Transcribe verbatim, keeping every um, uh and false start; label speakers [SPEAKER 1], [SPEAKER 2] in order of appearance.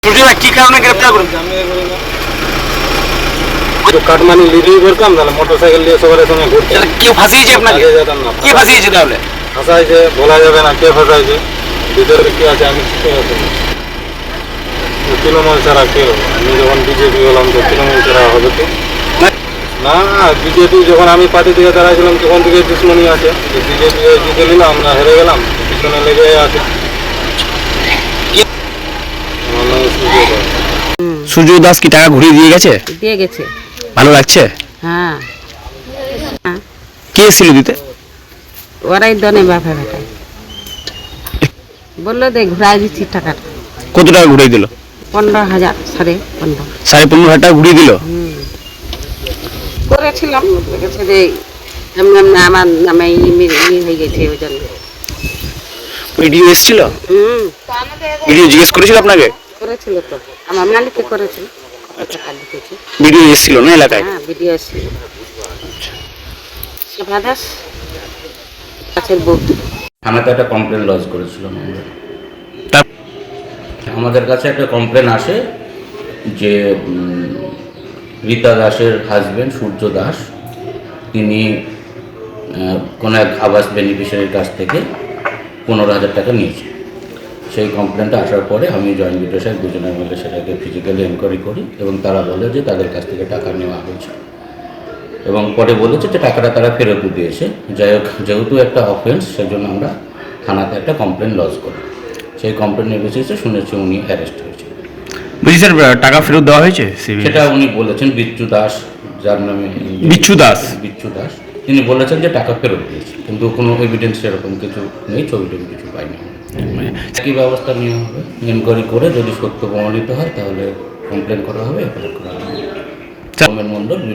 [SPEAKER 1] সুজয় কি কারণে গ্রেফতার করুন?
[SPEAKER 2] কাটমানি লিডিং করতাম, তাহলে মোটরসাইকেল দিয়ে সবার সঙ্গে ঘুরতাম।
[SPEAKER 1] কেউ ফাঁসিয়েছে আপনাকে?
[SPEAKER 2] যেতাম না।
[SPEAKER 1] কে ফাঁসিয়েছে তাহলে?
[SPEAKER 2] ফাঁসাইছে বলা যাবে না কে ফাঁসাইছে, ভিতরে কি আছে আমি বুঝতে পারছি না। তৃণমূল ছাড়া কে হবে? আমি যখন বিজেপি হলাম তো তৃণমূল ছাড়া হবে কি না? বিজেপি যখন আমি পার্টি থেকে দাঁড়াইছিলাম তখন থেকে দুশ্মনী আছে। বিজেপি জিতে নিলাম, আমরা হেরে গেলাম, পিছনে লেগে আছে। আমার নাম সুজয় দাস।
[SPEAKER 1] সুজয় দাস কি টাকা ঘুরিয়ে দিয়ে গেছে?
[SPEAKER 3] দিয়ে গেছে।
[SPEAKER 1] ভালো লাগছে?
[SPEAKER 3] হ্যাঁ, হ্যাঁ,
[SPEAKER 1] কে এসেছিল দিতে?
[SPEAKER 3] ওরাই দনে বাপে বেটায় বললো দে ঘুরাই দিচ্ছি টাকাটা।
[SPEAKER 1] কত টাকা ঘুরিয়ে দিল?
[SPEAKER 3] পনেরো হাজার সাড়ে পনেরো
[SPEAKER 1] সাড়ে পনেরো হাজার টাকা ঘুরিয়ে দিল।
[SPEAKER 3] হুম করেছিলাম, গেছে যে এমনি এমনি আমার নামে ই হয়ে গেছে ওই জন্য।
[SPEAKER 1] ভিডিও এসেছিল?
[SPEAKER 3] হুম
[SPEAKER 1] ভিডিও জিজ্ঞেস করেছিল আপনাকে?
[SPEAKER 3] করেছিল তো, আমার মালিককে করেছিল। টাকা লিখেছি।
[SPEAKER 1] ভিডিও এসেছিল না এলাকায়?
[SPEAKER 3] হ্যাঁ, ভিডিও ছিল। সেবা দাস গাছের বউ।
[SPEAKER 4] থানাতে একটা কমপ্লেন লজ করেছিলাম আমরা।
[SPEAKER 1] তার
[SPEAKER 4] আমাদের কাছে একটা কমপ্লেন আসে যে উম, রীতা দাসের হাজবেন্ড সূর্য দাস তিনি আহ, কোনো এক আবাস বেনিফিশিয়ারির কাছ থেকে পনেরো হাজার টাকা নিয়েছে। সেই কমপ্লেনটা আসার পরে আমি জয়েন্ট বিডিও সাহেব দুজনে মিলে সেটাকে ফিজিক্যালি এনকোয়ারি করি এবং তারা বলে যে তাদের কাছ থেকে টাকা নেওয়া হয়েছে এবং পরে বলেছে যে টাকাটা তারা ফেরত দিয়েছে। যাই হোক, যেহেতু একটা অফেন্স সেজন্য আমরা থানাতে একটা কমপ্লেন লজ করি। সেই কমপ্লেনের বেসিসে শুনেছি উনি অ্যারেস্ট হয়েছে।
[SPEAKER 1] বলছি স্যার, টাকা ফেরত দেওয়া হয়েছে?
[SPEAKER 4] সেটা উনি বলেছেন বিচ্ছু দাস, যার নামে
[SPEAKER 1] বিচ্ছু দাস
[SPEAKER 4] বিচ্ছু দাস তিনি বলেছেন যে টাকা ফেরত দিয়েছে, কিন্তু কোনো এভিডেন্স এরকম কিছু নেই, ছবি টবি কিছু পাইনি। কী ব্যবস্থা নেওয়া হবে এনকোয়ারি করে যদি সত্য প্রমাণিত হয় তাহলে কমপ্লেন করা হবে, এফআইআর করা হবে। সৌমেন মণ্ডল।